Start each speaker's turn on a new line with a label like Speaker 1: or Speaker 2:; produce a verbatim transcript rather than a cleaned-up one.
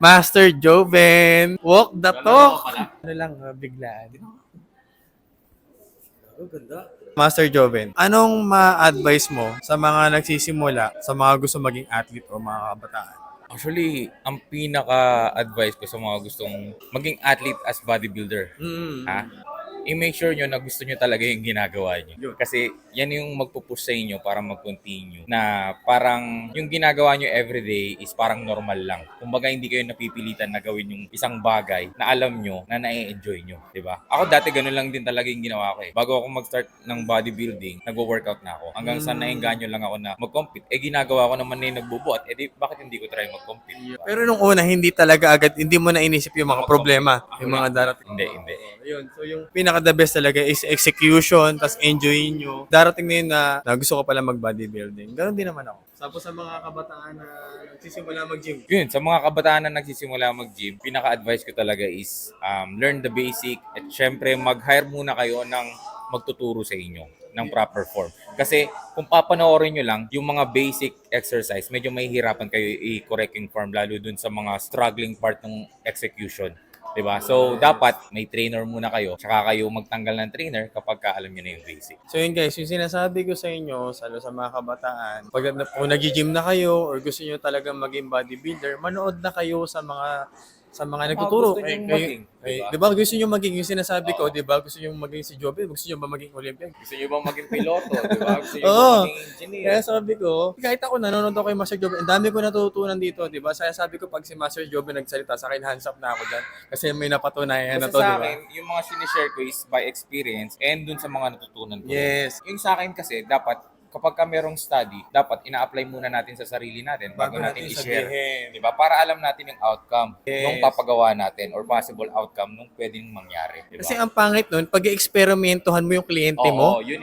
Speaker 1: Master Joven. Walk the talk. Ano lang, ah, biglaan.
Speaker 2: Oh, ganda.
Speaker 1: Master Joven, anong ma-advise mo sa mga nagsisimula, sa mga gusto maging athlete o mga kabataan?
Speaker 3: Actually, ang pinaka-advice ko sa mga gustong maging athlete as bodybuilder,
Speaker 1: Mm.
Speaker 3: ha? I-make sure nyo na gusto nyo talaga yung ginagawa nyo. Kasi yan yung magpupush sa inyo para mag-continue. Na parang yung ginagawa nyo everyday is parang normal lang. Kumbaga hindi kayo napipilitan na gawin yung isang bagay na alam nyo na na-enjoy nyo. Diba? Ako dati ganun lang din talaga yung ginawa ko eh. Bago ako mag-start ng bodybuilding, nagwo-workout na ako. Hanggang sa naengganyo lang ako na mag-compete. Eh ginagawa ko naman na yung nagbubuhat. Eh di, bakit hindi ko try mag-compete? Diba?
Speaker 1: Pero nung una, hindi talaga agad, hindi mo na inisip yung mga problema, yung mga darating.
Speaker 3: Hindi, hindi.
Speaker 1: Ayun, so yung pinaka the best talaga is execution, tas enjoyin nyo. Darating na yun na, na gusto ko pala mag-bodybuilding. Ganon din naman ako. Tapos sa mga kabataan na nagsisimula mag-gym.
Speaker 3: Yun, sa mga kabataan na nagsisimula mag-gym, pinaka-advice ko talaga is um, learn the basic at syempre mag-hire muna kayo ng magtuturo sa inyo ng proper form. Kasi kung papanoorin nyo lang yung mga basic exercise, medyo mahihirapan kayo i-correct yung form lalo dun sa mga struggling part ng execution. Diba? So, dapat may trainer muna kayo, tsaka kayo magtanggal ng trainer kapag ka alam nyo na yung basic.
Speaker 1: So yun guys, yung sinasabi ko sa inyo, sa, sa mga kabataan, pag kung nag-gym na kayo or gusto nyo talagang maging bodybuilder, manood na kayo sa mga sa mga nagtuturo.
Speaker 3: gusto
Speaker 1: Eh,
Speaker 3: nyong
Speaker 1: kayo,
Speaker 3: maging,
Speaker 1: eh,
Speaker 3: diba?
Speaker 1: di ba? Gusto nyo maging, yung sinasabi ko, di ba? Gusto nyo maging si Joby, gusto nyo ba maging Olympic?
Speaker 3: Gusto nyo bang maging piloto? Diba? Gusto nyo
Speaker 1: Oo.
Speaker 3: bang maging engineer?
Speaker 1: Kaya sabi ko, kahit ako nanonood ako kay Master Joby, ang dami ko natutunan dito, di ba? Saya sabi ko, pag si Master Joby nagsalita sa akin, hands up na ako dyan. Kasi may napatunayan na
Speaker 3: Basta
Speaker 1: to,
Speaker 3: sa
Speaker 1: di ba?
Speaker 3: akin, yung mga sinishare ko is by experience and dun sa mga natutunan ko.
Speaker 1: Yes.
Speaker 3: Yung sa akin kasi, dapat kapag ka merong study, dapat ina-apply muna natin sa sarili natin bago,
Speaker 1: Bago
Speaker 3: natin
Speaker 1: natin
Speaker 3: i-share.
Speaker 1: sabihin.
Speaker 3: Diba? Para alam natin yung outcome
Speaker 1: Yes.
Speaker 3: nung papagawa natin or possible outcome nung pwedeng mangyari. Diba?
Speaker 1: Kasi ang pangit nun, pag-experimentohan mo yung kliyente mo,
Speaker 3: Oo, yun